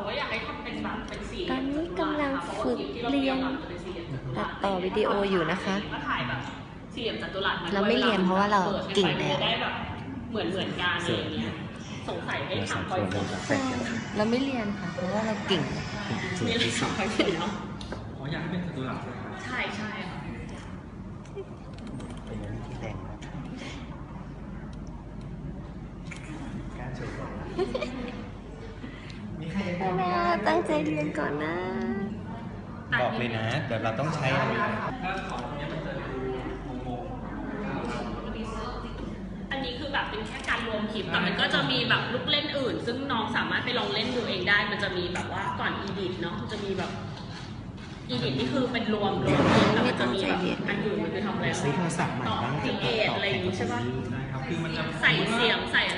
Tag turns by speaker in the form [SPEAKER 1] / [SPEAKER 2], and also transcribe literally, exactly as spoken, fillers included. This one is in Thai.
[SPEAKER 1] ก็อยากให้ทำเป็นแบบเป็นสี่
[SPEAKER 2] ตอนนี้กำลังฝึกเรียนตัดต่อวิดีโออยู่นะคะ
[SPEAKER 1] ก็ถ่ายแบบสี่เหลี่ยมจัตุรัส
[SPEAKER 2] เราไม่เรียนเพราะว่าเราเก่งแล้ว
[SPEAKER 1] ได้แบบเหมือนเหมือนกันอะไรอย่างเงี้ยสงสัยให้ถามคอยฝึก
[SPEAKER 2] ใช่เราไม่เรียนค่ะ เพราะว่าเราเก่ง
[SPEAKER 1] มีอะไรถามคอยฝึกเนาะ
[SPEAKER 3] อ๋ออยากให้เป็นจัตุรัส
[SPEAKER 1] ใช่ใช่ค่ะ
[SPEAKER 4] เป็นอย่างนี้ที่แต่งนะกล้าโชว์ก่อนมีใครจะ
[SPEAKER 2] แม่ตั้งใจเรียนก่อนนะ
[SPEAKER 4] บอกเลยนะ เดี๋ยวเราต้องใช้อันนี้
[SPEAKER 3] ถ้าของเนี้ยมันจะดูงง
[SPEAKER 1] อันนี้คือแบบเป็นแค่การรวมคลิปแต่มันก็จะมีแบบลูกเล่นอื่น ซึ่งน้องสามารถไปลองเล่นดูเองได้ มันจะมีแบบว่าก่อนอีดิทเนาะจะมีแบบอีดิทนี่คือเป็นรวมรวมคลิปแต่มันจะมีแบบอันอื่นมันคือทำอะไร
[SPEAKER 4] ซื้อโทรศัพท์ใหม่
[SPEAKER 1] ต่อ
[SPEAKER 4] บ้าง
[SPEAKER 1] ครีเอทอะไรอย่างงี้ใช่ปะ
[SPEAKER 3] ๆได้ครับคือมันจะ
[SPEAKER 1] ใส่เสียงใส่